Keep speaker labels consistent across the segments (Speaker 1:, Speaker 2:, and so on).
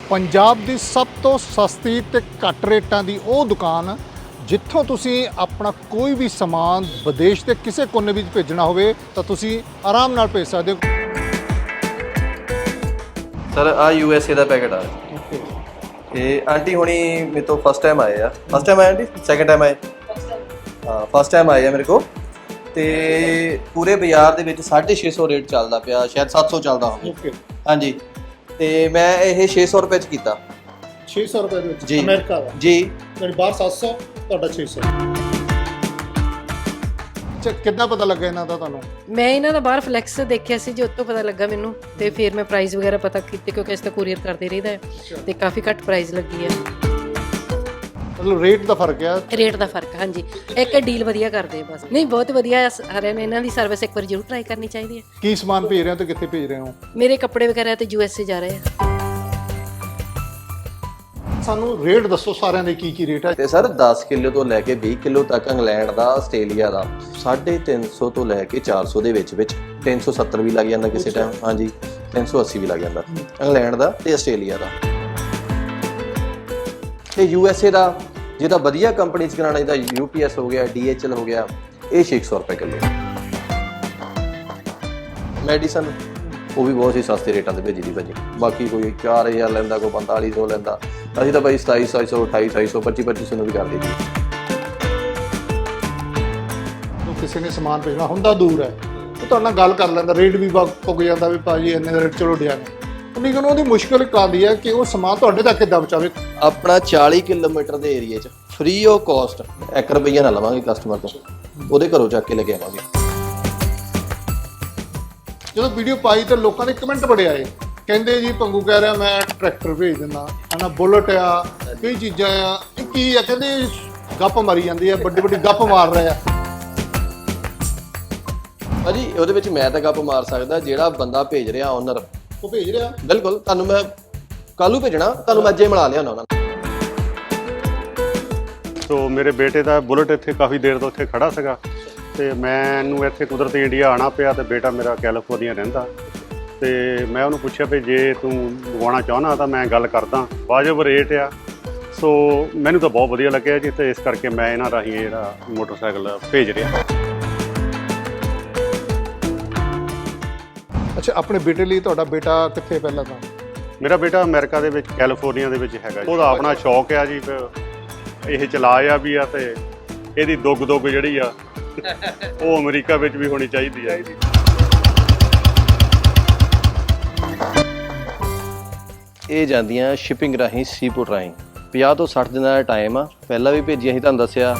Speaker 1: ਪੰਜਾਬ ਦੀ ਸਭ ਤੋਂ ਸਸਤੀ ਤੇ ਘੱਟ ਰੇਟਾਂ ਦੀ ਉਹ ਦੁਕਾਨ ਜਿੱਥੋਂ ਤੁਸੀਂ ਆਪਣਾ ਕੋਈ ਵੀ ਸਮਾਨ ਵਿਦੇਸ਼ ਦੇ ਕਿਸੇ ਕੋਨੇ ਵਿੱਚ ਭੇਜਣਾ ਹੋਵੇ ਤਾਂ ਤੁਸੀਂ ਆਰਾਮ ਨਾਲ ਭੇਜ ਸਕਦੇ ਹੋ।
Speaker 2: ਸਰ ਆ USA ਦਾ ਪੈਕਟ ਆ ਇਹ ਆਂਟੀ ਹੁਣੀ ਮੇਰੇ ਤੋਂ ਫਸਟ ਟਾਈਮ ਆਏ ਆ। ਫਸਟ ਟਾਈਮ ਆਏ ਆਂਟੀ, ਸੈਕੰਡ ਟਾਈਮ ਆਏ? ਹਾਂ ਫਸਟ ਟਾਈਮ ਆਏ ਆ ਮੇਰੇ ਕੋਲ। ਤੇ ਪੂਰੇ ਬਾਜ਼ਾਰ ਦੇ ਵਿੱਚ 650 ਰੇਟ ਚੱਲਦਾ ਪਿਆ, ਸ਼ਾਇਦ 700 ਚੱਲਦਾ ਹੋਵੇ। ਹਾਂਜੀ ਤੇ ਮੈਂ ਇਹ 600 ਰੁਪਏ ਚ ਕੀਤਾ।
Speaker 1: 600 ਰੁਪਏ ਦੇ ਵਿੱਚ
Speaker 2: ਜੀ
Speaker 1: ਅਮਰੀਕਾ ਦਾ
Speaker 2: ਜੀ,
Speaker 1: ਯਾਨੀ ਬਾਹਰ 700 ਤੁਹਾਡਾ 600। ਅੱਛਾ ਕਿੰਨਾ ਪਤਾ ਲੱਗਾ ਇਹਨਾਂ ਦਾ ਤੁਹਾਨੂੰ?
Speaker 3: ਮੈਂ ਇਹਨਾਂ ਦਾ ਬਾਹਰ ਫਲੈਕਸ ਦੇਖਿਆ ਸੀ ਜੀ, ਉੱਤੋਂ ਪਤਾ ਲੱਗਾ ਮੈਨੂੰ ਤੇ ਫਿਰ ਮੈਂ ਪ੍ਰਾਈਸ ਵਗੈਰਾ ਪਤਾ ਕੀਤੇ ਕਿਉਂਕਿ ਇਸ ਤਾਂ ਕੁਰੀਅਰ ਕਰਦੇ ਰਹੀਦਾ ਹੈ ਤੇ ਕਾਫੀ ਘੱਟ ਪ੍ਰਾਈਸ ਲੱਗੀ ਹੈ।
Speaker 1: ਮਤਲਬ ਰੇਟ ਦਾ ਫਰਕ ਆ?
Speaker 3: ਰੇਟ ਦਾ ਫਰਕ, ਹਾਂਜੀ। ਇੱਕ ਡੀਲ ਵਧੀਆ ਕਰਦੇ ਬਸ। ਨਹੀਂ ਬਹੁਤ ਵਧੀਆ ਸਾਰਿਆਂ ਨੇ ਇਹਨਾਂ ਦੀ ਸਰਵਿਸ ਇੱਕ ਵਾਰ ਜ਼ਰੂਰ ਟਰਾਈ ਕਰਨੀ ਚਾਹੀਦੀ ਹੈ।
Speaker 1: ਕੀ ਸਮਾਨ ਭੇਜ ਰਹੇ ਹੋ ਤੇ ਕਿੱਥੇ ਭੇਜ ਰਹੇ ਹੋ?
Speaker 3: ਮੇਰੇ ਕੱਪੜੇ ਵਗੈਰਾ ਤੇ USA ਜਾ ਰਹੇ ਆ।
Speaker 1: ਸਾਨੂੰ ਰੇਟ ਦੱਸੋ ਸਾਰਿਆਂ ਦੇ ਕੀ ਰੇਟ ਹੈ?
Speaker 2: ਤੇ ਸਰ 10 ਕਿਲੋ ਤੋਂ ਲੈ ਕੇ 20 ਕਿਲੋ ਤੱਕ ਇੰਗਲੈਂਡ ਦਾ, ਆਸਟ੍ਰੇਲੀਆ ਦਾ 350 ਤੋਂ ਲੈ ਕੇ 400 ਦੇ ਵਿੱਚ 370 ਵੀ ਲੱਗ ਜਾਂਦਾ ਕਿਸੇ ਟਾਈਮ। ਹਾਂਜੀ 380 ਵੀ ਲੱਗ ਜਾਂਦਾ ਇੰਗਲੈਂਡ ਦਾ ਤੇ ਆਸਟ੍ਰੇਲੀਆ ਦਾ। ਤੇ USA ਦਾ ਜਿਹਦਾ ਵਧੀਆ ਕੰਪਨੀ ਚ ਕਰਾਉਣਾ, ਜਿਹਦਾ UPS ਹੋ ਗਿਆ, DHL ਹੋ ਗਿਆ, ਇਹ 600 ਰੁਪਏ ਕਿਲੋ। ਮੈਡੀਸਨ ਉਹ ਵੀ ਬਹੁਤ ਹੀ ਸਸਤੇ ਰੇਟਾਂ ਤੇ ਭੇਜੀ ਦੀ ਭਾਜੀ। ਬਾਕੀ ਕੋਈ 4000 ਲੈਂਦਾ, ਕੋਈ 4500 ਲੈਂਦਾ, ਅਸੀਂ ਤਾਂ ਭਾਈ 2700, 2800, 2500 ਨੂੰ ਵੀ ਕਰ ਦਿੱਤੀ।
Speaker 1: ਕਿਸੇ ਨੇ ਸਮਾਨ ਭੇਜਣਾ ਹੁੰਦਾ ਦੂਰ ਹੈ, ਉਹ ਤੁਹਾਡੇ ਨਾਲ ਗੱਲ ਕਰ ਲੈਂਦਾ, ਰੇਟ ਵੀ ਪੁੱਗ ਜਾਂਦਾ ਵੀ ਭਾਜੀ ਇੰਨੇ ਦਾ ਰੇਟ, ਚਲੋ ਡਿਆ ਨੇ। ਉਨੀ ਕਿ ਉਹਦੀ ਮੁਸ਼ਕਿਲ ਇੱਕ ਆਉਂਦੀ ਹੈ ਕਿ ਉਹ ਸਮਾਨ ਤੁਹਾਡੇ ਤੱਕ ਕਿੱਦਾਂ ਪਹੁੰਚਾਵੇ।
Speaker 2: ਆਪਣਾ 40 ਕਿਲੋਮੀਟਰ ਦੇ ਏਰੀਏ 'ਚ ਫ੍ਰੀ ਆਫ ਕਾਸਟ 1 ਰੁਪਈਆ ਨਾ ਲਵਾਂਗੇ ਕਸਟਮਰ ਤੋਂ, ਉਹਦੇ ਘਰੋਂ ਚੱਕ ਕੇ ਲੈ ਕੇ ਆਵਾਂਗੇ।
Speaker 1: ਜਦੋਂ ਵੀਡੀਓ ਪਾਈ ਤਾਂ ਲੋਕਾਂ ਦੇ ਕਮੈਂਟ ਬੜੇ ਆਏ, ਕਹਿੰਦੇ ਜੀ ਪੰਗੂ ਕਹਿ ਰਿਹਾ ਮੈਂ ਟਰੈਕਟਰ ਭੇਜ ਦਿੰਦਾ ਹਨਾ, ਬੁਲਟ ਆ, ਕਈ ਚੀਜ਼ਾਂ ਆ, ਇਹ ਕੀ ਆ? ਕਹਿੰਦੇ ਗੱਪ ਮਾਰੀ ਜਾਂਦੀ ਆ, ਵੱਡੀ ਵੱਡੀ ਗੱਪ ਮਾਰ ਰਹੇ ਆ।
Speaker 2: ਭਾਜੀ ਉਹਦੇ ਵਿੱਚ ਮੈਂ ਤਾਂ ਗੱਪ ਮਾਰ ਸਕਦਾ, ਜਿਹੜਾ ਬੰਦਾ ਭੇਜ ਰਿਹਾ ਓਨਰ
Speaker 1: ਉਹ ਭੇਜ ਰਿਹਾ।
Speaker 2: ਬਿਲਕੁਲ, ਤੁਹਾਨੂੰ ਮੈਂ ਕੱਲ੍ਹ ਨੂੰ ਭੇਜਣਾ, ਤੁਹਾਨੂੰ ਮੈਂ ਅੱਜ ਹੀ ਮਿਲਾ ਲਿਆਉਣਾ ਉਹਨਾਂ ਨੂੰ।
Speaker 4: ਸੋ ਮੇਰੇ ਬੇਟੇ ਦਾ ਬੁਲਟ ਇੱਥੇ ਕਾਫੀ ਦੇਰ ਤੋਂ ਇੱਥੇ ਖੜਾ ਸੀਗਾ ਤੇ ਮੈਨੂੰ ਇੱਥੇ ਕੁਦਰਤੀ ਇੰਡੀਆ ਆਉਣਾ ਪਿਆ ਤੇ ਬੇਟਾ ਮੇਰਾ ਕੈਲੀਫੋਰਨੀਆ ਰਹਿੰਦਾ ਤੇ ਮੈਂ ਉਹਨੂੰ ਪੁੱਛਿਆ ਵੀ ਜੇ ਤੂੰ ਮੰਗਵਾਉਣਾ ਚਾਹੁੰਦਾ ਤਾਂ ਮੈਂ ਗੱਲ ਕਰਦਾ, ਵਾਜਬ ਰੇਟ ਆ। ਸੋ ਮੈਨੂੰ ਤਾਂ ਬਹੁਤ ਵਧੀਆ ਲੱਗਿਆ ਜੀ, ਤੇ ਇਸ ਕਰਕੇ ਮੈਂ ਇਹਨਾਂ ਰਾਹੀਂ ਜਿਹੜਾ ਮੋਟਰਸਾਈਕਲ ਭੇਜ ਰਿਹਾ।
Speaker 1: ਅੱਛਾ ਆਪਣੇ ਬੇਟੇ ਲਈ, ਤੁਹਾਡਾ ਬੇਟਾ ਕਿੱਥੇ ਪਹਿਲਾਂ ਤਾਂ?
Speaker 4: ਮੇਰਾ ਬੇਟਾ ਅਮਰੀਕਾ ਦੇ ਵਿੱਚ, ਕੈਲੀਫੋਰਨੀਆ ਦੇ ਵਿੱਚ ਹੈਗਾ। ਉਹਦਾ ਆਪਣਾ ਸ਼ੌਕ ਆ ਜੀ, ਇਹ ਚਲਾਇਆ ਵੀ ਆ ਤੇ ਇਹਦੀ ਦੁੱਗ ਜਿਹੜੀ ਆ ਉਹ ਅਮਰੀਕਾ ਵਿੱਚ ਵੀ ਹੋਣੀ ਚਾਹੀਦੀ ਆ।
Speaker 2: ਇਹ ਜਾਂਦੀਆਂ ਸ਼ਿਪਿੰਗ ਰਾਹੀਂ, ਸੀਪੋਰਟ ਰਾਹੀਂ। 50 ਤੋਂ 60 ਦਿਨਾਂ ਦਾ ਟਾਈਮ ਆ, ਪਹਿਲਾਂ ਵੀ ਭੇਜੀਆਂ ਸੀ ਤੁਹਾਨੂੰ ਦੱਸਿਆ।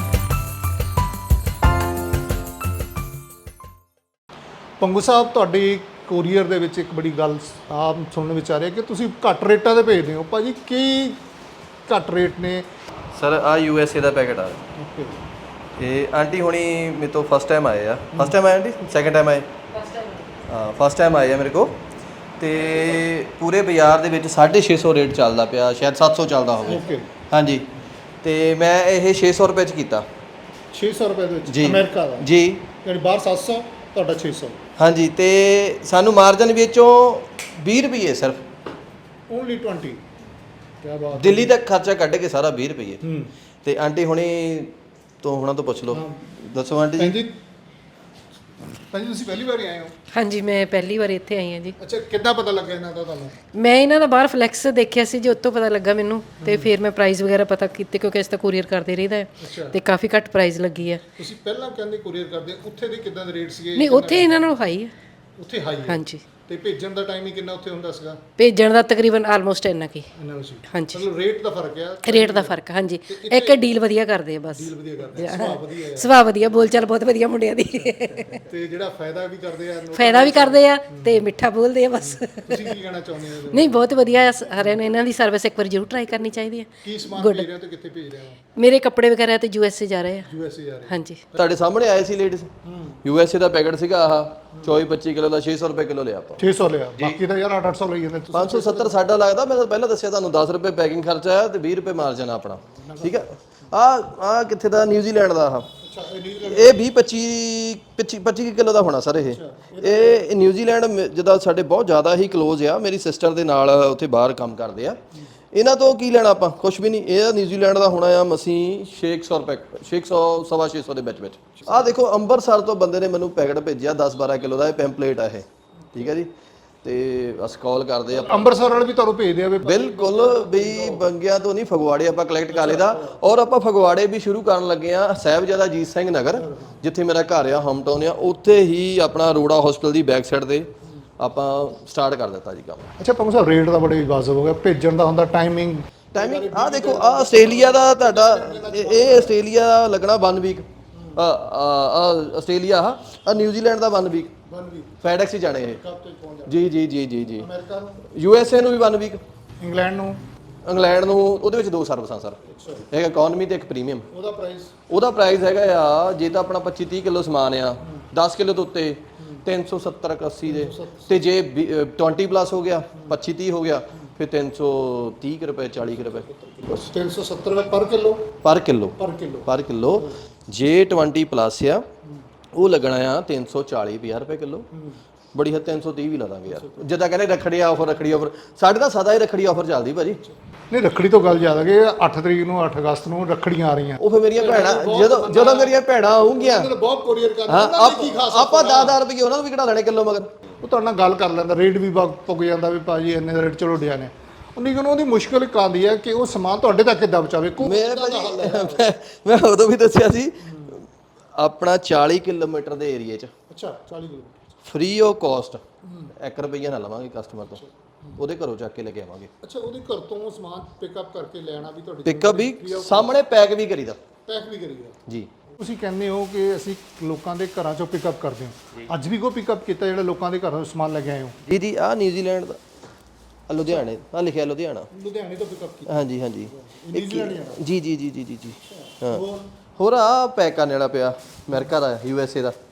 Speaker 1: ਪੰਗੂ ਸਾਹਿਬ ਤੁਹਾਡੀ ਕੋਰੀਅਰ ਦੇ ਵਿੱਚ ਇੱਕ ਬੜੀ ਗੱਲ ਆਪ ਸੁਣਨ ਵਿੱਚ ਆ ਰਹੀ ਹੈ ਕਿ ਤੁਸੀਂ ਘੱਟ ਰੇਟਾਂ ਤੇ ਭੇਜਦੇ ਹੋ। ਭਾਜੀ ਕੀ ਘੱਟ ਰੇਟ ਨੇ?
Speaker 2: ਸਰ ਆ USA ਦਾ ਪੈਕਟ ਆ ਇਹ ਆਂਟੀ ਹੁਣੀ ਮੇਰੇ ਤੋਂ ਫਸਟ ਟਾਈਮ ਆਏ ਆ। ਫਸਟ ਟਾਈਮ ਆਏ ਆਂਟੀ, ਸੈਕੰਡ ਟਾਈਮ ਆਏ? ਹਾਂ ਫਸਟ ਟਾਈਮ ਆਏ ਆ ਮੇਰੇ ਕੋਲ। ਤੇ ਪੂਰੇ ਬਾਜ਼ਾਰ ਦੇ ਵਿੱਚ 650 ਰੇਟ ਚੱਲਦਾ ਪਿਆ, ਸ਼ਾਇਦ 700 ਚੱਲਦਾ ਹੋਵੇ। ਹਾਂਜੀ ਤੇ ਮੈਂ ਇਹ 600 ਰੁਪਏ ਚ ਕੀਤਾ।
Speaker 1: 600 ਰੁਪਏ ਦੇ ਵਿੱਚ
Speaker 2: ਜੀ
Speaker 1: ਅਮਰੀਕਾ ਦਾ?
Speaker 2: ਜੀ
Speaker 1: ਯਾਨੀ ਬਾਹਰ 700 ਤੁਹਾਡਾ 600।
Speaker 2: ਹਾਂਜੀ ਤੇ ਸਾਨੂੰ ਮਾਰਜਨ ਵਿੱਚੋਂ 20 ਰੁਪਏ ਸਿਰਫ।
Speaker 1: ਓਨਲੀ 20? ਕੀ ਬਾਤ।
Speaker 2: ਦਿੱਲੀ ਤੱਕ ਖਰਚਾ ਕੱਢ ਕੇ ਸਾਰਾ 20 ਰੁਪਏ। ਤੇ ਆਂਟੀ ਹੁਣੀ ਤੋਂ ਹੁਣਾਂ ਤੋਂ ਪੁੱਛ ਲਓ। ਦੱਸੋ ਆਂਟੀ ਜੀ।
Speaker 1: ਭਾਜੀ ਤੁਸੀਂ ਪਹਿਲੀ ਵਾਰ ਆਏ ਹੋ?
Speaker 3: ਹਾਂਜੀ ਮੈਂ ਪਹਿਲੀ ਵਾਰ ਇੱਥੇ ਆਈ ਹਾਂ ਜੀ।
Speaker 1: ਅੱਛਾ ਕਿੱਦਾਂ ਪਤਾ ਲੱਗਾ ਇਹਨਾਂ ਦਾ ਤੁਹਾਨੂੰ?
Speaker 3: ਮੈਂ ਇਹਨਾਂ ਦਾ ਬਾਹਰ ਫਲੈਕਸ ਦੇਖਿਆ ਸੀ ਜੀ, ਉੱਤੋਂ ਪਤਾ ਲੱਗਾ ਮੈਨੂੰ ਤੇ ਫਿਰ ਮੈਂ ਪ੍ਰਾਈਸ ਵਗੈਰਾ ਪਤਾ ਕੀਤੇ ਕਿਉਂਕਿ ਇਸ ਤਾਂ ਕੁਰੀਅਰ ਕਰਦੇ ਰਹੀਦਾ ਹੈ ਤੇ ਕਾਫੀ ਘੱਟ ਪ੍ਰਾਈਸ ਲੱਗੀ ਹੈ।
Speaker 1: ਤੁਸੀਂ ਪਹਿਲਾਂ ਕਹਿੰਦੇ ਕੁਰੀਅਰ ਕਰਦੇ, ਉੱਥੇ ਦੇ ਕਿੱਦਾਂ ਦੇ ਰੇਟ ਸੀਗੇ?
Speaker 3: ਨਹੀਂ ਉੱਥੇ ਇਹਨਾਂ ਨਾਲੋਂ ਹਾਈ ਹੈ।
Speaker 1: ਉੱਥੇ ਹਾਈ ਹੈ?
Speaker 3: ਹਾਂਜੀ।
Speaker 1: ਤੇ ਭੇਜਣ ਦਾ ਟਾਈਮ ਹੀ ਕਿੰਨਾ ਉੱਥੇ ਹੁੰਦਾ ਸੀਗਾ?
Speaker 3: ਭੇਜਣ ਦਾ ਤਕਰੀਬਨ ਆਲਮੋਸਟ ਇੰਨਾ ਕੀ। ਹਾਂਜੀ
Speaker 1: ਮਤਲਬ ਰੇਟ ਦਾ ਫਰਕ ਆ?
Speaker 3: ਰੇਟ ਦਾ ਫਰਕ, ਹਾਂਜੀ। ਇੱਕ ਡੀਲ ਵਧੀਆ ਕਰਦੇ ਆ ਬਸ।
Speaker 1: ਡੀਲ ਵਧੀਆ ਕਰਦੇ ਆ, ਸੁਭਾਅ ਵਧੀਆ ਹੈ?
Speaker 3: ਸੁਭਾਅ ਵਧੀਆ, ਬੋਲਚਾਲ ਬਹੁਤ ਵਧੀਆ ਮੁੰਡਿਆਂ ਦੀ।
Speaker 1: ਤੇ ਜਿਹੜਾ ਫਾਇਦਾ ਵੀ ਕਰਦੇ ਆ?
Speaker 3: ਫਾਇਦਾ ਵੀ ਕਰਦੇ ਆ ਤੇ ਮਿੱਠਾ ਬੋਲਦੇ ਆ ਬਸ।
Speaker 1: ਤੁਸੀਂ ਕੀ ਕਹਿਣਾ ਚਾਹੁੰਦੇ ਹੋ?
Speaker 3: ਨਹੀਂ ਬਹੁਤ ਵਧੀਆ ਆ ਸਾਰਿਆਂ ਨੇ, ਇਹਨਾਂ ਦੀ ਸਰਵਿਸ ਇੱਕ ਵਾਰ ਜ਼ਰੂਰ ਟਰਾਈ ਕਰਨੀ ਚਾਹੀਦੀ ਹੈ।
Speaker 1: ਕੀ ਸਮਾਨ ਭੇਜ ਰਹੇ ਹੋ ਤੇ ਕਿੱਥੇ ਭੇਜ ਰਹੇ ਹੋ?
Speaker 3: ਮੇਰੇ ਕੱਪੜੇ ਵਗੈਰਾ ਤੇ USA ਜਾ ਰਹੇ ਆ।
Speaker 1: USA ਜਾ ਰਹੇ?
Speaker 3: ਹਾਂਜੀ।
Speaker 2: ਤੁਹਾਡੇ ਸਾਹਮਣੇ ਆਏ ਸੀ ਲੇਡੀਜ਼। USA ਦਾ ਪੈਕਟ ਸੀਗਾ ਆਹ 24-25 ਕਿਲੋ ਦਾ, 600 ਰੁਪਏ ਕਿਲੋ ਲਿਆ ਆਪਾਂ।
Speaker 1: 600 ਲਿਆ, ਬਾਕੀ ਤਾਂ ਯਾਰ 800 ਲਈ ਜਾਂਦੇ ਤੁਸੀਂ।
Speaker 2: 570 ਸਾਡਾ ਲੱਗਦਾ। ਮੈਂ ਤਾਂ ਪਹਿਲਾਂ ਦੱਸਿਆ ਤੁਹਾਨੂੰ 10 ਰੁਪਏ ਪੈਕਿੰਗ ਖਰਚਾ ਆ ਤੇ 20 ਰੁਪਏ ਮਾਰਜਨ ਆਪਣਾ। ਠੀਕ ਹੈ। ਆ ਕਿੱਥੇ ਦਾ? ਨਿਊਜ਼ੀਲੈਂਡ ਦਾ। ਆਹ ਇਹ 20-25 ਕਿਲੋ ਦਾ ਹੋਣਾ ਸਰ। ਇਹ ਨਿਊਜ਼ੀਲੈਂਡ ਜਿੱਦਾਂ ਸਾਡੇ ਬਹੁਤ ਜ਼ਿਆਦਾ ਹੀ ਕਲੋਜ਼ ਆ, ਮੇਰੀ ਸਿਸਟਰ ਦੇ ਨਾਲ ਉੱਥੇ ਬਾਹਰ ਕੰਮ ਕਰਦੇ ਆ। ਇਹਨਾਂ ਤੋਂ ਕੀ ਲੈਣਾ ਆਪਾਂ, ਕੁਝ ਵੀ ਨਹੀਂ। ਇਹ ਨਿਊਜ਼ੀਲੈਂਡ ਦਾ ਹੋਣਾ ਆ ਮਸੀਂ 600 ਰੁਪਏ, 600 ਸਵਾ 600 ਦੇ ਵਿੱਚ। ਆਹ ਦੇਖੋ ਅੰਮ੍ਰਿਤਸਰ ਤੋਂ ਬੰਦੇ ਨੇ ਮੈਨੂੰ ਪੈਕਟ ਭੇਜਿਆ 10-12 ਕਿਲੋ ਦਾ, ਇਹ ਪੈਂਪਲੇਟ ਆ ਇਹ, ਠੀਕ ਹੈ ਜੀ। ਤੇ ਬਸ ਕਾਲ ਕਰਦੇ ਆ,
Speaker 1: ਅੰਮ੍ਰਿਤਸਰ ਵਾਲੇ ਵੀ ਤੁਹਾਨੂੰ ਭੇਜਦੇ ਆ ਵੀ
Speaker 2: ਬਿਲਕੁਲ ਵੀ ਬੰਗਿਆਂ ਤੋਂ ਨਹੀਂ, ਫਗਵਾੜੇ ਆਪਾਂ ਕਲੈਕਟ ਕਰ ਲਈਦਾ। ਔਰ ਆਪਾਂ ਫਗਵਾੜੇ ਵੀ ਸ਼ੁਰੂ ਕਰਨ ਲੱਗੇ ਆ, ਸਾਹਿਬਜ਼ਾਦਾ ਅਜੀਤ ਸਿੰਘ ਨਗਰ ਜਿੱਥੇ ਮੇਰਾ ਘਰ ਆ, ਹੋਮ ਟਾਊਨ ਆ, ਉੱਥੇ ਹੀ ਆਪਣਾ ਅਰੋੜਾ ਹਸਪੀਟਲ ਦੀ ਬੈਕ ਸਾਈਡ ਤੇ ਆਪਾਂ ਸਟਾਰਟ ਕਰ ਦਿੱਤਾ ਜੀ ਕੰਮ।
Speaker 1: ਅੱਛਾ ਪੰਗੂ ਸਾਹਿਬ, ਰੇਟ ਦਾ ਬੜੇ ਵਾਜਬ ਹੋ ਗਿਆ, ਭੇਜਣ ਦਾ ਹੁੰਦਾ ਟਾਈਮਿੰਗ।
Speaker 2: ਆਹ ਦੇਖੋ, ਆਹ ਆਸਟ੍ਰੇਲੀਆ ਦਾ ਤੁਹਾਡਾ ਇਹ ਆਸਟ੍ਰੇਲੀਆ ਦਾ ਲੱਗਣਾ 1 ਵੀਕ, ਆਸਟ੍ਰੇਲੀਆ ਆ ਨਿਊਜ਼ੀਲੈਂਡ ਦਾ 1 ਵੀਕ, ਫੈਡੈਕਸ ਹੀ ਜਾਣੇ ਇਹ। ਜੀ ਜੀ ਜੀ ਜੀ ਜੀ।
Speaker 1: ਅਮਰੀਕਾ ਨੂੰ,
Speaker 2: USA ਨੂੰ ਵੀ 1 ਵੀਕ,
Speaker 1: ਇੰਗਲੈਂਡ ਨੂੰ,
Speaker 2: ਇੰਗਲੈਂਡ ਨੂੰ ਉਹਦੇ ਵਿੱਚ 2 ਸਰਵਿਸਾਂ ਸਰ, ਇੱਕ ਇਕਨੋਮੀ ਤੇ ਇੱਕ ਪ੍ਰੀਮੀਅਮ।
Speaker 1: ਉਹਦਾ
Speaker 2: ਪ੍ਰਾਈਸ ਹੈਗਾ ਆ, ਜੇ ਤਾਂ ਆਪਣਾ 25-30 ਕਿਲੋ ਸਮਾਨ ਆ 10 ਕਿਲੋ ਤੋਂ ਉੱਤੇ 370-80 ਦੇ, ਤੇ ਜੇ 20 ਪਲੱਸ ਹੋ ਗਿਆ 25-30 ਹੋ ਗਿਆ ਫਿਰ 330 ਰੁਪਏ 40 ਰੁਪਏ
Speaker 1: 370 ਰੁਪਏ ਪਰ ਕਿਲੋ।
Speaker 2: ਪਰ ਕਿਲੋ ਜੇ 20 ਪਲੱਸ ਆ ਉਹ ਲੱਗਣਾ ਆ 340 ਰੁਪਏ ਕਿਲੋ। ਬੜੀ ਹੱਦ 330 ਵੀ ਲਾ ਦਾਂਗੇ ਯਾਰ, ਜਿੱਦਾਂ ਕਹਿੰਦੇ ਰੱਖੜੀ ਆਫਰ ਸਾਡੇ ਤਾਂ ਸਦਾ ਹੀ ਰੱਖੜੀ ਆਫਰ ਚੱਲਦੀ ਭਾਜੀ।
Speaker 1: ਨਹੀਂ ਰੱਖੜੀ ਤੋਂ ਗੱਲ ਜ਼ਿਆਦਾ ਕਿ 8 ਤਰੀਕ ਨੂੰ 8 ਅਗਸਤ ਨੂੰ ਰੱਖੜੀਆਂ ਆ ਰਹੀਆਂ,
Speaker 2: ਉਹ ਫਿਰ ਮੇਰੀਆਂ ਭੈਣਾਂ ਜਦੋਂ ਮੇਰੀਆਂ ਭੈਣਾਂ ਆਉਂਗੀਆਂ
Speaker 1: ਬਹੁਤ ਕੋਰੀਅਰ ਕਰਦੇ
Speaker 2: ਆਪਾਂ 10 ਰੁਪਏ ਉਹਨਾਂ ਨੂੰ ਵੀ ਘਟਾ ਲੈਣੇ ਕਿਲੋ, ਮਗਰ
Speaker 1: ਉਹ ਤੁਹਾਡੇ ਨਾਲ ਗੱਲ ਕਰ ਲੈਂਦਾ, ਰੇਟ ਵੀ ਪੁੱਗ ਜਾਂਦਾ ਵੀ ਭਾਜੀ ਇੰਨੇ ਦਾ ਰੇਟ ਚਲੋ ਡਿਆ ਨੇ। ਉਨੀ ਨੂੰ ਉਹਦੀ ਮੁਸ਼ਕਲ ਇੱਕ ਆਉਂਦੀ ਹੈ ਕਿ ਉਹ ਸਮਾਨ ਤੁਹਾਡੇ ਤੱਕ ਕਿੱਦਾਂ ਪਹੁੰਚਾਵੇ।
Speaker 2: ਮੇਰੇ ਭਾਜੀ ਮੈਂ ਉਦੋਂ ਵੀ ਦੱਸਿਆ ਸੀ, ਆਪਣਾ 40 ਕਿਲੋਮੀਟਰ ਦੇ ਏਰੀਏ 'ਚ
Speaker 1: ਅੱਛਾ 40 ਕਿਲੋਮੀਟਰ
Speaker 2: ਫ੍ਰੀ ਆਫ ਕਾਸਟ 1 ਰੁਪਈਆ ਨਾ ਲਵਾਂਗੇ ਕਸਟਮਰ ਤੋਂ, ਉਹਦੇ ਘਰੋਂ ਚੱਕ ਕੇ ਲੈ ਕੇ ਆਵਾਂਗੇ।
Speaker 1: ਅੱਛਾ ਉਹਦੇ ਘਰ ਤੋਂ ਸਮਾਨ ਪਿਕਅਪ ਕਰਕੇ ਲੈਣਾ ਵੀ ਤੁਹਾਡੀ,
Speaker 2: ਪਿਕਅਪ ਵੀ ਸਾਹਮਣੇ ਪੈਕ ਵੀ ਕਰੀਦਾ ਜੀ।
Speaker 1: ਤੁਸੀਂ ਕਹਿੰਦੇ ਹੋ ਕਿ ਅਸੀਂ ਲੋਕਾਂ ਦੇ ਘਰਾਂ ਚੋਂ ਪਿਕਅਪ ਕਰਦੇ ਹਾਂ, ਅੱਜ ਵੀ ਕੋਈ ਪਿਕਅਪ ਕੀਤਾ ਜਿਹੜਾ ਲੋਕਾਂ ਦੇ ਘਰੋਂ ਸਮਾਨ ਲੈ ਕੇ ਆਏ ਹੋ?
Speaker 2: ਜੀ ਜੀ। ਆਹ ਨਿਊਜ਼ੀਲੈਂਡ ਦਾ, ਲੁਧਿਆਣੇ ਆ ਲਿਖਿਆ, ਲੁਧਿਆਣਾ
Speaker 1: ਤੋਂ ਪਿਕਅਪ ਕੀਤਾ?
Speaker 2: ਹਾਂਜੀ ਹਾਂਜੀ ਜੀ ਜੀ ਜੀ ਜੀ ਜੀ ਜੀ। ਹਾਂ
Speaker 1: ਹੋਰ
Speaker 2: ਹੋਰ ਆ ਪੈਕ ਕਰਨ ਵਾਲਾ ਪਿਆ ਅਮਰੀਕਾ ਦਾ, USA ਦਾ।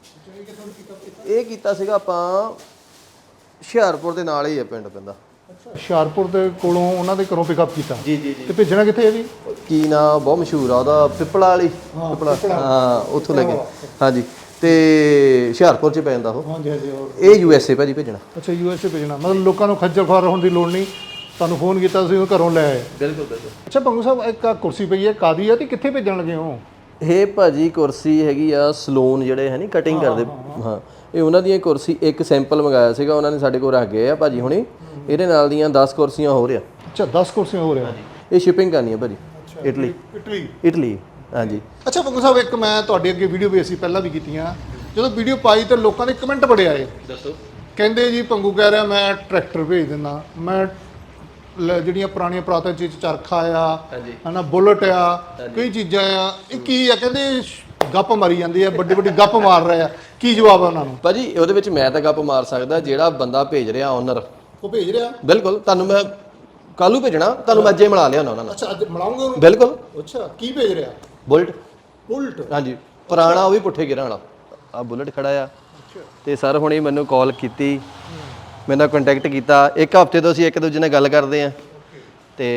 Speaker 2: ਇਹ ਕੀਤਾ ਸੀਗਾ ਆਪਾਂ ਹੁਸ਼ਿਆਰਪੁਰ ਦੇ ਨਾਲ ਹੀ ਆ, ਪਿੰਡ ਪੈਂਦਾ।
Speaker 1: ਹੁਸ਼ਿਆਰਪੁਰ ਦੇ ਕੋਲੋਂ ਉਹਨਾਂ ਦੇ ਘਰੋਂ ਪਿਕਅਪ ਕੀਤਾ
Speaker 2: ਜੀ ਜੀ ਜੀ।
Speaker 1: ਤੇ ਭੇਜਣਾ ਕਿੱਥੇ ਹੈ ਜੀ?
Speaker 2: ਕੀ ਨਾ ਬਹੁਤ ਮਸ਼ਹੂਰ ਆ ਉਹਦਾ, ਪਿੱਪਲਾ ਵਾਲੀ, ਹਾਂ ਉੱਥੋਂ ਲੈ ਕੇ। ਹਾਂਜੀ ਤੇ ਹੁਸ਼ਿਆਰਪੁਰ 'ਚ ਪੈ ਜਾਂਦਾ ਉਹ।
Speaker 1: ਹਾਂਜੀ ਹਾਂਜੀ।
Speaker 2: ਇਹ USA ਭਾਜੀ ਭੇਜਣਾ।
Speaker 1: ਅੱਛਾ USA ਭੇਜਣਾ, ਮਤਲਬ ਲੋਕਾਂ ਨੂੰ ਖੱਜਲ ਖੁਆਰ ਹੋਣ ਦੀ ਲੋੜ ਨਹੀਂ, ਤੁਹਾਨੂੰ ਫੋਨ ਕੀਤਾ ਤੁਸੀਂ ਉਹ ਘਰੋਂ ਲੈ ਆਏ।
Speaker 2: ਬਿਲਕੁਲ ਬਿਲਕੁਲ।
Speaker 1: ਅੱਛਾ ਪੰਗੂ ਸਾਹਿਬ, ਇੱਕ ਆਹ ਕੁਰਸੀ ਪਈ ਹੈ ਕਾਦੀ ਆ ਤੇ ਕਿੱਥੇ ਭੇਜਣ ਲੱਗੇ ਹੋ?
Speaker 2: ਇਹ ਭਾਜੀ ਕੁਰਸੀ ਹੈਗੀ ਆ ਸਲੂਨ ਜਿਹੜੇ ਹੈ ਨਹੀਂ ਕਟਿੰਗ ਕਰਦੇ, ਹਾਂ ਇਹ ਉਹਨਾਂ ਦੀਆਂ ਕੁਰਸੀ, ਇੱਕ ਸੈਂਪਲ ਮੰਗਾਇਆ ਸੀਗਾ ਉਹਨਾਂ ਨੇ ਸਾਡੇ ਕੋਲ ਰੱਖ ਗਏ ਆ ਭਾਜੀ ਹੁਣੀ। ਇਹਦੇ ਨਾਲ ਦੀਆਂ 10 ਕੁਰਸੀਆਂ ਹੋ ਰਿਹਾ।
Speaker 1: ਅੱਛਾ 10 ਕੁਰਸੀਆਂ ਹੋ ਰਿਹਾ।
Speaker 2: ਇਹ ਸ਼ਿਪਿੰਗ ਕਰਨੀ ਹੈ ਭਾਜੀ, ਇਟਲੀ। ਹਾਂਜੀ।
Speaker 1: ਅੱਛਾ ਪੰਗੂ ਸਾਹਿਬ, ਇੱਕ ਮੈਂ ਤੁਹਾਡੇ ਅੱਗੇ ਵੀਡੀਓ ਵੀ ਅਸੀਂ ਪਹਿਲਾਂ ਵੀ ਕੀਤੀਆਂ, ਜਦੋਂ ਵੀਡੀਓ ਪਾਈ ਤਾਂ ਲੋਕਾਂ ਦੇ ਕਮੈਂਟ ਬੜੇ ਆਏ।
Speaker 2: ਦੱਸੋ।
Speaker 1: ਕਹਿੰਦੇ ਜੀ ਪੰਗੂ ਕਹਿ ਰਿਹਾ ਮੈਂ ਟਰੈਕਟਰ ਭੇਜ ਦਿੰਦਾ, ਮੈਂ ਜਿਹੜੀਆਂ ਪੁਰਾਣੀਆਂ ਪੁਰਾਤਨ ਚੀਜ਼ ਚਰਖਾ ਆ ਹਨਾ, ਬੁਲਟ ਆ, ਕਈ ਚੀਜ਼ਾਂ ਆ, ਇਹ ਕੀ ਆ? ਕਹਿੰਦੇ ਗੱਪ ਮਾਰੀ ਜਾਂਦੀ ਆ, ਵੱਡੀ ਵੱਡੀ ਗੱਪ ਮਾਰ ਰਹੇ ਆ, ਕੀ ਜਵਾਬ ਆ ਉਹਨਾਂ ਨੂੰ?
Speaker 2: ਭਾਜੀ ਉਹਦੇ ਵਿੱਚ ਮੈਂ ਤਾਂ ਗੱਪ ਮਾਰ ਸਕਦਾ, ਜਿਹੜਾ ਬੰਦਾ ਭੇਜ ਰਿਹਾ ਓਨਰ
Speaker 1: ਉਹ ਭੇਜ ਰਿਹਾ।
Speaker 2: ਬਿਲਕੁਲ। ਤੁਹਾਨੂੰ ਮੈਂ ਕੱਲ ਨੂੰ ਭੇਜਣਾ, ਤੁਹਾਨੂੰ ਮੈਂ ਅੱਜੇ ਮਿਲਾ ਲਿਆ ਉਹਨਾਂ ਨਾਲ।
Speaker 1: ਅੱਛਾ ਅੱਜ ਮਿਲਾਉਂਗੇ ਉਹਨੂੰ?
Speaker 2: ਬਿਲਕੁਲ।
Speaker 1: ਅੱਛਾ ਕੀ ਭੇਜ ਰਿਹਾ?
Speaker 2: ਬੁਲਟ। ਹਾਂਜੀ ਪੁਰਾਣਾ, ਉਹ ਵੀ ਪੁੱਠੇ ਗਿਰਾਂ ਵਾਲਾ। ਆ ਬੁਲਟ ਖੜਾ ਆ ਤੇ ਸਰ ਹੁਣੇ ਮੈਨੂੰ ਕਾਲ ਕੀਤੀ, ਮੇਰੇ ਨਾਲ ਕੰਟੈਕਟ ਕੀਤਾ। 1 ਹਫ਼ਤੇ ਤੋਂ ਅਸੀਂ ਇੱਕ ਦੂਜੇ ਨਾਲ ਗੱਲ ਕਰਦੇ ਆ ਤੇ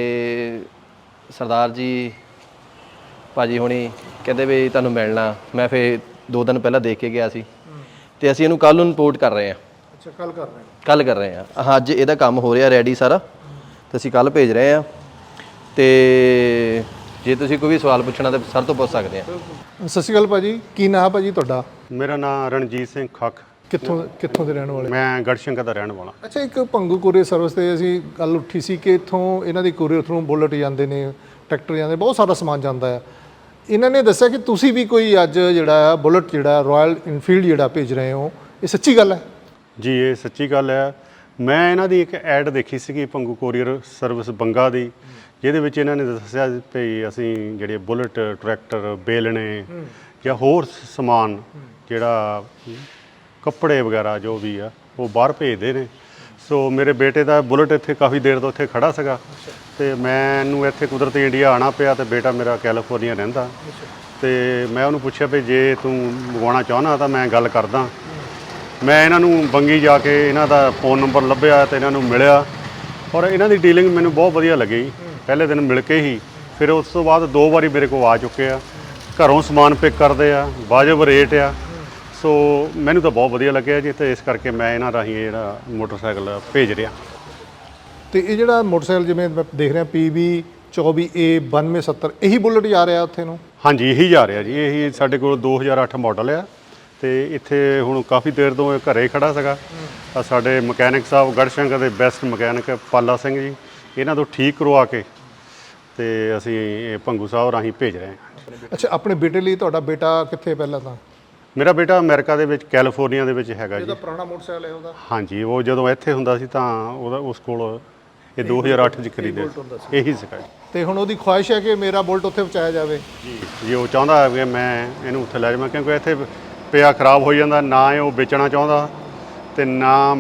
Speaker 2: ਸਰਦਾਰ ਜੀ ਭਾਜੀ ਹੁਣੀ ਕਹਿੰਦੇ ਵੀ ਤੁਹਾਨੂੰ ਮਿਲਣਾ। ਮੈਂ ਫਿਰ 2 ਦਿਨ ਪਹਿਲਾਂ ਦੇਖ ਕੇ ਗਿਆ ਸੀ ਤੇ ਅਸੀਂ ਇਹਨੂੰ ਕੱਲ ਨੂੰ ਰਿਪੋਰਟ ਕਰ ਰਹੇ ਆ।
Speaker 1: ਅੱਛਾ ਕੱਲ ਕਰ ਰਹੇ ਹਾਂ?
Speaker 2: ਕੱਲ ਕਰ ਰਹੇ ਆ। ਅੱਜ ਇਹਦਾ ਕੰਮ ਹੋ ਰਿਹਾ ਰੈਡੀ ਸਾਰਾ ਤੇ ਅਸੀਂ ਕੱਲ ਭੇਜ ਰਹੇ ਆ। ਤੇ ਜੇ ਤੁਸੀਂ ਕੋਈ ਵੀ ਸਵਾਲ ਪੁੱਛਣਾ ਤਾਂ ਸਰ ਤੋਂ ਪੁੱਛ ਸਕਦੇ ਆ।
Speaker 1: ਸਤਿ ਸ਼੍ਰੀ ਅਕਾਲ ਭਾਜੀ, ਕੀ ਨਾਮ ਭਾਜੀ ਤੁਹਾਡਾ?
Speaker 4: ਮੇਰਾ ਨਾਮ ਰਣਜੀਤ ਸਿੰਘ ਖੱਖ।
Speaker 1: ਕਿੱਥੋਂ ਦੇ ਰਹਿਣ ਵਾਲੇ?
Speaker 4: ਮੈਂ ਗੜਸ਼ੰਕਰ ਦਾ ਰਹਿਣ ਵਾਲਾ।
Speaker 1: ਅੱਛਾ, ਇੱਕ ਪੰਗੂ ਕੋਰੀਅਰ ਸਰਵਿਸ ਤੇ ਅਸੀਂ ਗੱਲ ਉੱਠੀ ਸੀ ਕਿ ਇੱਥੋਂ ਇਹਨਾਂ ਦੀ ਕੋਰੀਅਰ ਥਰੂ ਬੁਲਟ ਜਾਂਦੇ ਨੇ, ਟਰੈਕਟਰ ਜਾਂਦੇ, ਬਹੁਤ ਸਾਰਾ ਸਮਾਨ ਜਾਂਦਾ ਹੈ। ਇਹਨਾਂ ਨੇ ਦੱਸਿਆ ਕਿ ਤੁਸੀਂ ਵੀ ਕੋਈ ਅੱਜ ਜਿਹੜਾ ਬੁਲਟ ਜਿਹੜਾ ਰਾਇਲ ਇਨਫੀਲਡ ਜਿਹੜਾ ਭੇਜ ਰਹੇ ਹੋ, ਇਹ ਸੱਚੀ ਗੱਲ ਹੈ?
Speaker 4: ਜੀ ਇਹ ਸੱਚੀ ਗੱਲ ਹੈ। ਮੈਂ ਇਹਨਾਂ ਦੀ ਇੱਕ ਐਡ ਦੇਖੀ ਸੀਗੀ ਪੰਗੂ ਕੋਰੀਅਰ ਸਰਵਿਸ ਬੰਗਾ ਦੀ, ਜਿਹਦੇ ਵਿੱਚ ਇਹਨਾਂ ਨੇ ਦੱਸਿਆ ਵੀ ਅਸੀਂ ਜਿਹੜੇ ਬੁਲਟ, ਟਰੈਕਟਰ, ਬੇਲਣੇ ਜਾਂ ਹੋਰ ਸਮਾਨ ਜਿਹੜਾ ਕੱਪੜੇ ਵਗੈਰਾ ਜੋ ਵੀ ਆ ਉਹ ਬਾਹਰ ਭੇਜਦੇ ਨੇ। ਸੋ ਮੇਰੇ ਬੇਟੇ ਦਾ ਬੁਲਟ ਇੱਥੇ ਕਾਫੀ ਦੇਰ ਤੋਂ ਇੱਥੇ ਖੜਾ ਸੀਗਾ ਤੇ ਮੈਨੂੰ ਇੱਥੇ ਕੁਦਰਤੀ ਇੰਡੀਆ ਆਉਣਾ ਪਿਆ ਤੇ ਬੇਟਾ ਮੇਰਾ ਕੈਲੀਫੋਰਨੀਆ ਰਹਿੰਦਾ ਤੇ ਮੈਂ ਉਹਨੂੰ ਪੁੱਛਿਆ ਵੀ ਜੇ ਤੂੰ ਮੰਗਵਾਉਣਾ ਚਾਹੁੰਦਾ ਤਾਂ ਮੈਂ ਗੱਲ ਕਰਦਾ। ਮੈਂ ਇਹਨਾਂ ਨੂੰ ਬੰਗੀ ਜਾ ਕੇ ਇਹਨਾਂ ਦਾ ਫ਼ੋਨ ਨੰਬਰ ਲੱਭਿਆ ਤੇ ਇਹਨਾਂ ਨੂੰ ਮਿਲਿਆ ਔਰ ਇਹਨਾਂ ਦੀ ਡੀਲਿੰਗ ਮੈਨੂੰ ਬਹੁਤ ਵਧੀਆ ਲੱਗੀ। ਪਹਿਲੇ ਦਿਨ ਮਿਲ ਕੇ ਹੀ, ਫਿਰ ਉਸ ਤੋਂ ਬਾਅਦ 2 ਵਾਰੀ ਮੇਰੇ ਕੋਲ ਆ ਚੁੱਕੇ ਆ, ਘਰੋਂ ਸਮਾਨ ਪਿਕ ਕਰਦੇ ਆ, ਵਾਜਬ ਰੇਟ ਆ। ਸੋ ਮੈਨੂੰ ਤਾਂ ਬਹੁਤ ਵਧੀਆ ਲੱਗਿਆ ਜੀ ਤੇ ਇਸ ਕਰਕੇ ਮੈਂ ਇਹਨਾਂ ਰਾਹੀਂ ਜਿਹੜਾ ਮੋਟਰਸਾਈਕਲ ਭੇਜ ਰਿਹਾ।
Speaker 1: ਤੇ ਇਹ ਜਿਹੜਾ ਮੋਟਰਸਾਈਕਲ ਜਿਵੇਂ ਮੈਂ ਦੇਖ ਰਿਹਾ PB 24A 9270 ਇਹੀ ਬੁਲਟ ਜਾ ਰਿਹਾ ਉੱਥੇ ਨੂੰ?
Speaker 4: ਹਾਂਜੀ ਇਹੀ ਜਾ ਰਿਹਾ ਜੀ, ਇਹੀ ਸਾਡੇ ਕੋਲ 2008 ਮਾਡਲ ਆ ਤੇ ਇੱਥੇ ਹੁਣ ਕਾਫੀ ਦੇਰ ਤੋਂ ਇਹ ਘਰੇ ਖੜਾ ਸੀਗਾ। ਤਾਂ ਸਾਡੇ ਮਕੈਨਿਕ ਸਾਹਿਬ ਗੜਸ਼ੰਕਰ ਦੇ ਬੈਸਟ ਮਕੈਨਿਕ ਪਾਲਾ ਸਿੰਘ ਜੀ, ਇਹਨਾਂ ਤੋਂ ਠੀਕ ਕਰਵਾ ਕੇ ਤੇ ਅਸੀਂ ਇਹ ਭੰਗੂ ਸਾਹਿਬ ਰਾਹੀਂ ਭੇਜ ਰਹੇ ਹਾਂ।
Speaker 1: ਅੱਛਾ, ਆਪਣੇ ਬੇਟੇ ਲਈ ਤੁਹਾਡਾ ਬੇਟਾ ਕਿੱਥੇ ਪਹਿਲਾਂ ਤਾਂ?
Speaker 4: ਮੇਰਾ ਬੇਟਾ ਅਮਰੀਕਾ ਦੇ ਵਿੱਚ ਕੈਲੀਫੋਰਨੀਆ ਦੇ ਵਿੱਚ ਹੈਗਾ ਜੀ।
Speaker 1: ਇਹਦਾ ਪੁਰਾਣਾ ਮੋਟਰਸਾਈਕਲ ਹੈ ਉਹਦਾ?
Speaker 4: ਹਾਂਜੀ, ਉਹ ਜਦੋਂ ਇੱਥੇ ਹੁੰਦਾ ਸੀ ਤਾਂ ਉਹਦਾ ਉਸ ਕੋਲ ਇਹ 2008 ਚ ਖਰੀਦੇ ਇਹੀ ਸੀਗਾ ਜੀ।
Speaker 1: ਤੇ ਹੁਣ ਉਹਦੀ ਖੁਆਇਸ਼ ਹੈ ਕਿ ਮੇਰਾ ਬੁਲਟ ਉੱਥੇ ਪਹੁੰਚਾਇਆ ਜਾਵੇ?
Speaker 4: ਜੀ ਉਹ ਚਾਹੁੰਦਾ ਹੈ ਕਿ ਮੈਂ ਇਹਨੂੰ ਉੱਥੇ ਲੈ ਜਾਵਾਂ, ਕਿਉਂਕਿ ਇੱਥੇ ਪਿਆ ਖਰਾਬ ਹੋ ਜਾਂਦਾ, ਨਾ ਇਹ ਉਹ ਵੇਚਣਾ ਚਾਹੁੰਦਾ ਤੇ ਨਾ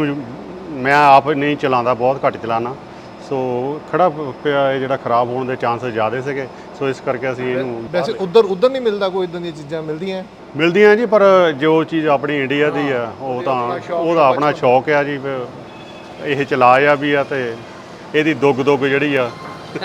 Speaker 4: ਮੈਂ ਆਪ ਨਹੀਂ ਚਲਾਉਂਦਾ, ਬਹੁਤ ਘੱਟ ਚਲਾਉਣਾ। ਸੋ ਖੜਾ ਪਿਆ ਇਹ ਜਿਹੜਾ ਖਰਾਬ ਹੋਣ ਦੇ ਚਾਂਸਸ ਜ਼ਿਆਦਾ ਸੀਗੇ, ਸੋ ਇਸ ਕਰਕੇ ਅਸੀਂ ਇਹਨੂੰ
Speaker 1: ਵੈਸੇ ਉਧਰ ਨਹੀਂ ਮਿਲਦਾ ਕੋਈ ਇਦਾਂ ਦੀਆਂ ਚੀਜ਼ਾਂ
Speaker 4: ਮਿਲਦੀਆਂ ਜੀ, ਪਰ ਜੋ ਚੀਜ਼ ਆਪਣੀ ਇੰਡੀਆ ਦੀ ਆ ਉਹ ਤਾਂ ਉਹਦਾ ਆਪਣਾ ਸ਼ੌਕ ਆ ਜੀ। ਇਹ ਚਲਾਇਆ ਵੀ ਆ ਤੇ ਇਹਦੀ ਦੁੱਗ ਜਿਹੜੀ ਆ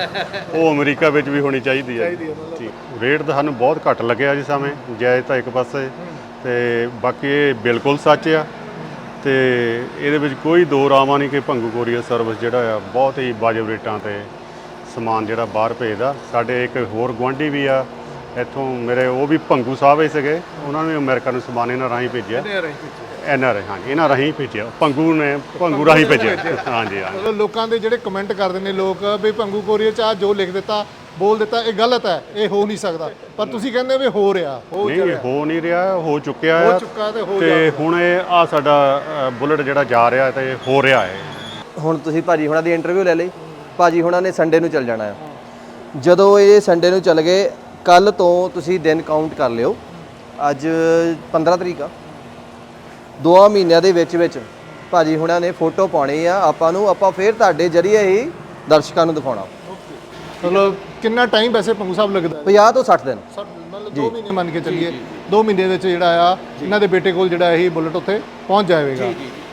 Speaker 4: ਉਹ ਅਮਰੀਕਾ ਵਿੱਚ ਵੀ ਹੋਣੀ ਚਾਹੀਦੀ ਹੈ। ਰੇਟ ਤਾਂ ਸਾਨੂੰ ਬਹੁਤ ਘੱਟ ਲੱਗਿਆ ਜੀ, ਸਮੇਂ ਜਾਇਜ਼ ਤਾਂ ਇੱਕ ਪਾਸੇ, ਤੇ ਬਾਕੀ ਇਹ ਬਿਲਕੁਲ ਸੱਚ ਆ ਤੇ ਇਹਦੇ ਵਿੱਚ ਕੋਈ ਦੋ ਰਾਵਾਂ ਨਹੀਂ ਕਿ ਭੰਗੂ ਕੋਰੀਅਰ ਸਰਵਿਸ ਜਿਹੜਾ ਆ ਬਹੁਤ ਹੀ ਵਾਜਬ ਰੇਟਾਂ ਤੇ ਸਮਾਨ ਜਿਹੜਾ ਬਾਹਰ ਭੇਜਦਾ। ਸਾਡੇ ਇੱਕ ਹੋਰ ਗੁਆਂਢੀ ਵੀ ਆ ਇੱਥੋਂ ਮੇਰੇ, ਉਹ ਵੀ ਭੰਗੂ ਸਾਹਿਬ ਹੀ ਸੀਗੇ, ਉਹਨਾਂ ਨੇ ਅਮਰੀਕਾ ਨੂੰ ਸਮਾਨ ਇਹਨਾਂ ਰਾਹੀਂ ਭੇਜਿਆ। NRI, ਹਾਂਜੀ ਇਹਨਾਂ ਰਾਹੀਂ ਭੇਜਿਆ, ਭੰਗੂ ਰਾਹੀਂ ਭੇਜਿਆ। ਹਾਂਜੀ ਹਾਂਜੀ।
Speaker 1: ਲੋਕਾਂ ਦੇ ਜਿਹੜੇ ਕਮੈਂਟ ਕਰਦੇ ਨੇ ਲੋਕ ਵੀ ਭੰਗੂ ਕੋਰੀਅਰ ਚ ਆ ਜੋ ਲਿਖ ਦਿੱਤਾ ਬੋਲ ਦਿੱਤਾ ਇਹ ਗਲਤ ਹੈ, ਇਹ ਹੋ ਨਹੀਂ ਸਕਦਾ, ਪਰ ਤੁਸੀਂ ਕਹਿੰਦੇ ਵੀ ਹੋ ਰਿਹਾ।
Speaker 4: ਨਹੀਂ, ਹੋ ਨਹੀਂ ਰਿਹਾ, ਹੋ ਚੁੱਕਿਆ ਆ
Speaker 1: ਤੇ
Speaker 4: ਹੁਣ ਇਹ ਆ ਸਾਡਾ ਬੁਲਟ ਜਿਹੜਾ ਜਾ ਰਿਹਾ ਤੇ ਹੋ ਰਿਹਾ ਹੈ।
Speaker 2: ਹੁਣ ਤੁਸੀਂ ਭਾਜੀ ਹੁਣਾਂ ਦੀ ਇੰਟਰਵਿਊ ਲੈ ਲਈ, ਭਾਜੀ ਹੁਣਾਂ ਨੇ ਸੰਡੇ ਨੂੰ ਚੱਲ ਜਾਣਾ ਹੈ। ਜਦੋਂ ਇਹ ਸੰਡੇ ਨੂੰ ਚੱਲ ਗਏ, ਕੱਲ ਤੋਂ ਤੁਸੀਂ ਦਿਨ ਕਾਊਂਟ ਕਰ ਲਿਓ, ਅੱਜ 15 ਤਰੀਕ ਆ, 2 ਮਹੀਨਿਆਂ ਦੇ ਵਿੱਚ ਭਾਜੀ ਹੁਣਾਂ ਨੇ ਫੋਟੋ ਪਾਉਣੀ ਆ ਆਪਾਂ ਨੂੰ, ਆਪਾਂ ਫਿਰ ਤੁਹਾਡੇ ਜਰੀਏ ਹੀ ਦਰਸ਼ਕਾਂ ਨੂੰ ਦਿਖਾਉਣਾ।
Speaker 1: ਮਤਲਬ ਕਿੰਨਾ ਟਾਈਮ ਵੈਸੇ ਭੰਗੂ ਸਾਹਿਬ ਲੱਗਦਾ?
Speaker 2: 50 ਤੋਂ 60 ਦਿਨ,
Speaker 1: ਮਤਲਬ 2 ਮਹੀਨੇ ਮੰਨ ਕੇ ਚੱਲੀਏ, 2 ਮਹੀਨੇ ਵਿੱਚ ਜਿਹੜਾ ਆ ਇਹਨਾਂ ਦੇ ਬੇਟੇ ਕੋਲ ਜਿਹੜਾ ਇਹ ਬੁਲਟ ਉੱਥੇ ਪਹੁੰਚ ਜਾਵੇਗਾ।